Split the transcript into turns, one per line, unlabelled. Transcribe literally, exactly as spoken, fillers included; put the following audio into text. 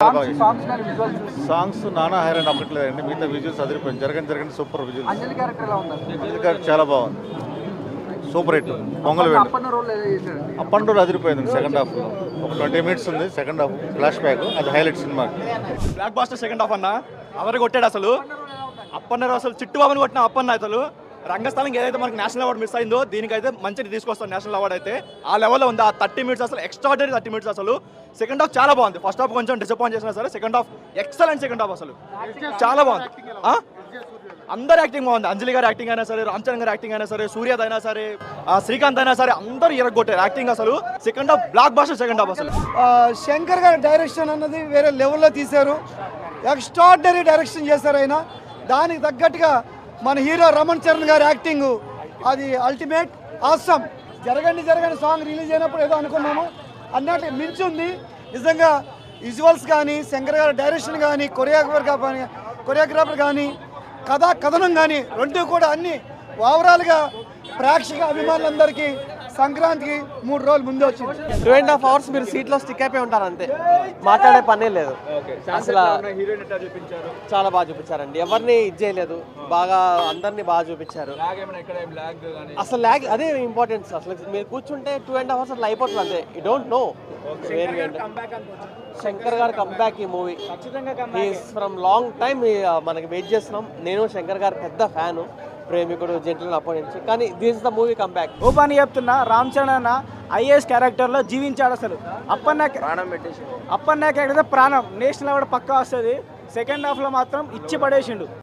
Songs నానా హైరాన్ అవ్వట్లేదండి. మిగతా visuals అదిరిపోయింది. జరగని జరగని సూపర్ విజువల్స్.
అంజలి క్యారెక్టర్ ఎలా ఉంది?
అంజలి గారు చాలా బాగుంది. Super hit. పొంగల్ వేయండి.
అప్పన్న రోల్ ఎలా చేశాడు?
అప్పన్ రోల్ అదిరిపోయింది. సెకండ్ హాఫ్ ఒక ట్వంటీ మినిట్స్ ఉంది. సెకండ్ హాఫ్ ఫ్లాష్ బ్యాక్, అది హైలైట్ సినిమా.
బ్లాక్ బాస్టర్ సెకండ్ హాఫ్ అన్న అవరు కొట్టాడు అసలు. అప్పన్న అసలు చిట్టుబాబుని కొట్టిన అప్పన్న అసలు రంగస్థలం ఏదైతే మనకి నేషనల్ అవార్డు మిస్ అయిందో దీనికైతే మంచిగా తీసుకొస్తాం. నేషనల్ అవార్డు అయితే ఆ లెవెల్లో ఉంది. ఆ థర్టీ మినిట్స్ అసలు ఎక్స్ట్రాడనరీ థర్టీ మినిట్స్ అసలు. సెకండ్ హాఫ్ చాలా బాగుంది. ఫస్ట్ హాఫ్ కొంచెం డిసప్పాయింట్ చేసినా సరే second half excellent. Second half అసలు చాలా బాగుంది. అందరు యాక్టింగ్ బాగుంది. అంజలి గారి యాక్టింగ్ అయినా సరే, రామ్ చరణ్ గారి యాక్టింగ్ అయినా సరే, సూర్యద్ అయినా సరే, శ్రీకాంత్ అయినా సరే, అందరూ ఇరగొట్టారు యాక్టింగ్ అసలు. Second half blockbuster second half అసలు.
శంకర్ గారి డైరెక్షన్ అన్నది వేరే లెవెల్లో తీశారు. ఎక్స్ట్రాడినరీ డైరెక్షన్ చేశారు ఆయన. దానికి తగ్గట్టుగా మన హీరో రమణ్ చరణ్ గారి యాక్టింగ్ అది అల్టిమేట్ ఆసమ్. జరగండి జరగండి సాంగ్ రిలీజ్ అయినప్పుడు ఏదో అనుకున్నాము అన్నట్టు మించి ఉంది నిజంగా. విజువల్స్ కానీ, శంకర్ గారి డైరెక్షన్ కానీ, కొరియోగ్రాఫర్ కానీ కొరియోగ్రాఫర్ కానీ, కథా కథనం కానీ రెండు కూడా అన్ని ఓవరాల్గా ప్రేక్షక అభిమానులందరికీ సంక్రాంతికి మూడు రోజులు ముందే వచ్చింది.
టూ అండ్ హాఫ్ అవర్స్ మీరు సీట్లో స్టిక్ అయిపోయి ఉంటారు అంతే, మాట్లాడే పనే లేదు. అసలు చాలా బాగా చూపించారండి. ఎవరిని ఇది చేయలేదు, బాగా అందరినీ బాగా చూపించారు. అసలు ల్యాగ్ అదే ఇంపార్టెన్స్. అసలు మీరు కూర్చుంటే టూ అండ్ హాఫ్ అవర్స్ అట్లా అయిపోతుంది అంతే. You don't know. శంకర్ గారు కంబ్యాక్ ఈ మూవీ ఫ్రమ్ లాంగ్ టైమ్ మనకి వెయిట్ చేస్తున్నాం. నేను శంకర్ గారు పెద్ద ఫ్యాను, ప్రేమికుడు, జెంటిల్ అప్పటి నుంచి. కానీ దిస్ ద మూవీ కంబ్యాక్.
ఓ పని చెప్తున్నా, రామ్ చరణ్ అన్న ఐఏఎస్ క్యారెక్టర్లో జీవించాడు అసలు. అప్పన్న
ప్రాణం పెట్టేసి
అప్పన్న క్యారెక్టర్ ప్రాణం. నేషనల్ అవార్డు పక్కా వస్తుంది. సెకండ్ హాఫ్లో మాత్రం ఇచ్చి పడేసిండు.